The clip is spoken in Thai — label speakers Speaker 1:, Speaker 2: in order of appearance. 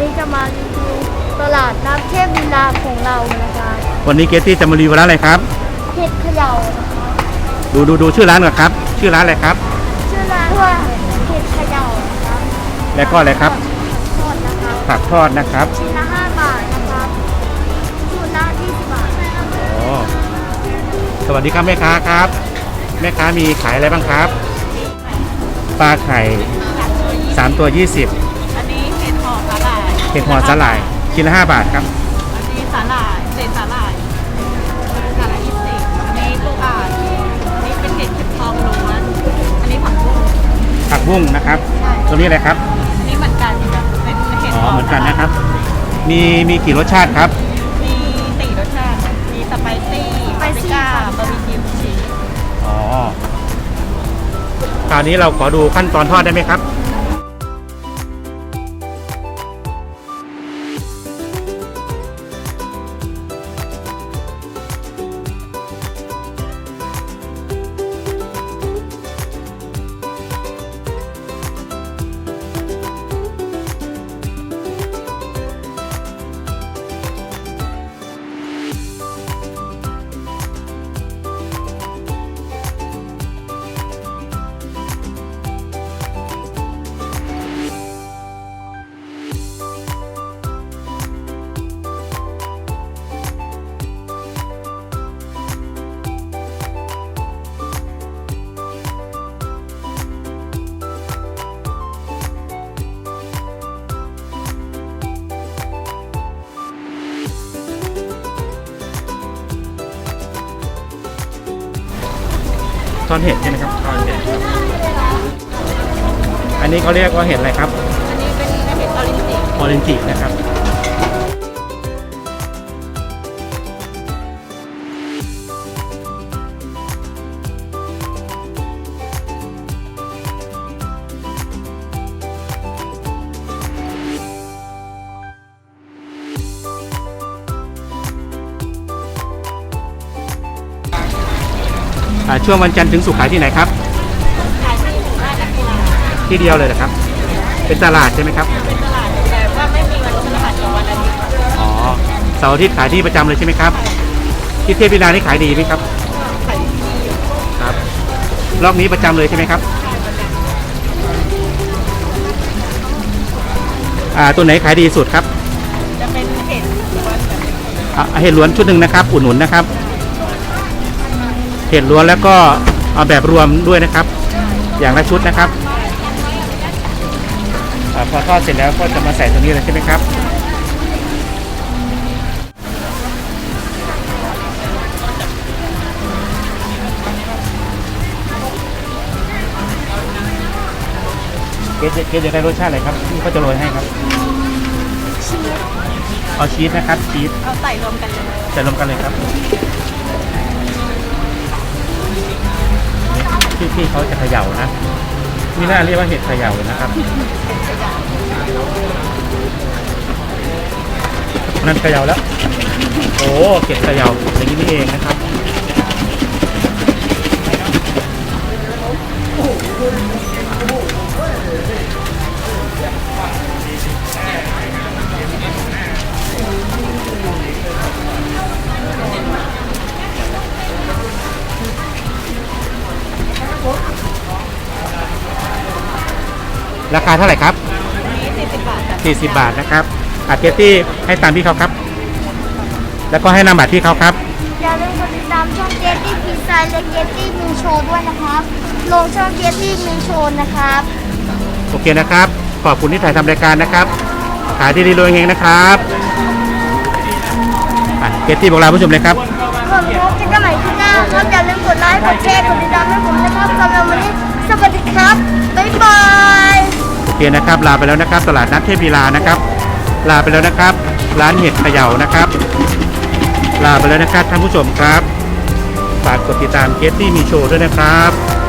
Speaker 1: นี้จะมารีวิวตลาดน้ำเทพลีลาของเรานะคะ
Speaker 2: วันนี้เกตตี้จะมารีวิวร้านอะไรครับ
Speaker 1: เห็ดเขย่านะคะ
Speaker 2: ดูชื่อร้านก่อนครับชื่อร้านอะไรครับ
Speaker 1: ชื่อร้านว่าเห็ดเขย่านะคะ
Speaker 2: แล้วก็อะไรครับ
Speaker 1: ทอดนะคะ
Speaker 2: ผักทอดนะครับ
Speaker 1: ชิ้นละ5 บาทนะครับชุดละ20 บาท
Speaker 2: อ๋อสวัสดีครับแม่ค้าครับแม่ค้ามีขายอะไรบ้างครับปลาไข่3 ตัว 20
Speaker 3: อันนี้เห็ดห่อสาหร่าย
Speaker 2: เห็ดห่อสาหร่ายชิ้นละ5 บาทครับ
Speaker 3: อันนี้สาหร่ายเศษสาหร่ายสาหร่าย20อันนี้ปูอ่านอันนี้เป็นเห็ดทองล้วนอันนี้ผักบุ้ง
Speaker 2: ผักบุ้งนะครับ
Speaker 3: ใช่
Speaker 2: ตัวนี้อะไรครับ
Speaker 3: อันนี้เหมือนกันค่ะเป็นเห็ด
Speaker 2: อ๋อ
Speaker 3: ห่อ
Speaker 2: เหมือนกันนะครับมีกี่รสชาติครับ
Speaker 3: มี4 รสชาติมีสไปซี่ปาปริก้าบาร์บีคิวชีส
Speaker 2: อ๋อคราวนี้เราขอดูขั้นตอนทอดได้ไหมครับทอดเห็ดใช่ไหมครับทอดเห็ดอันนี้เขาเรียกว่าเห็ดอะไรครับ
Speaker 3: อันนี้เป็นเห็ดออรินจิ
Speaker 2: ออเรนจินะครับช่วงวันจันทร์ถึงศุกร์ขายที่ไหนครับ
Speaker 3: ขายที่หมู่บ้านนักกีฬา
Speaker 2: ที่เดียวเลยนะครับ เป็นตลาดใช่ไหมครับ
Speaker 3: เป็นตลาดแต่ว่าไม่มีวันพฤหัสกับวันอาทิตย์
Speaker 2: อ๋อเสาร์อาทิตย์ขายที่ประจำเลยใช่ไหมครับที่เทพวิลานี่ขายดีไหมครับ
Speaker 3: ขายที่
Speaker 2: ครับรอบนี้ประจำเลยใช่ไหมครับตัวไหนขายดีสุดครับ
Speaker 3: จะเป็นเห็ดล้วนแบบ
Speaker 2: เห็ดล้วนชุดหนึ่งนะครับอุดหนุนนะครับเห็ดล้วนแล้วก็เอาแบบรวมด้วยนะครับ อย่างละชุดนะครับพอทอดเสร็จแล้วก็จะมาใส่ตรงนี้เลยใช่ไหมครับเกจะได้รสชาติอะไรครับที่เขาจะโรยให้ครับเอาชีสนะครับชีส
Speaker 3: เอาใส่รวมกันเลย
Speaker 2: ใส่รวมกันเลยครับที่เขาจะเขย่านะมีหน้าเรียกว่าเห็ดเขย่านะครับนั่นเขย่าแล้วโอ้เห็ดเขย่าอย่างนี้นี่เองนะครับราคาเท่าไหร่ครับ
Speaker 3: นี่40 บาทค่ะ
Speaker 2: 40 บาทนะครับเกตตี้ให้ตามพี่เขาครับ แล้วก็ให้นามบัตรพี่เขาครับ
Speaker 1: อย่าลืมกดติดตามช่องเจตตี้พิซซ่าและเจตตี้มิวโชว์ด้วยนะครับลงช่องเจตตี้มิวโชว์นะครับ
Speaker 2: โอเคนะครับขอบคุณที่ถ่ายทำรายการนะครับขายดีๆรวยเฮงนะครับเกตตี้บอกลาผู้ชมเลยครับ
Speaker 1: ขอบคุณที่เข้ามาที่หน้าครับอย่าลืมกดไลค์กดแชร์กดติดตามให้ผมนะครับสำหรับวันนี้สวัสดีครับบ๊ายบาย
Speaker 2: โอเคนะครับลาไปแล้วนะครับตลาดนัดเทพลีลานะครับลาไปแล้วนะครับร้านเห็ดเขย่านะครับลาไปแล้วนะครับท่านผู้ชมครับฝากกดติดตามเกตตี้มีโชว์ด้วยนะครับ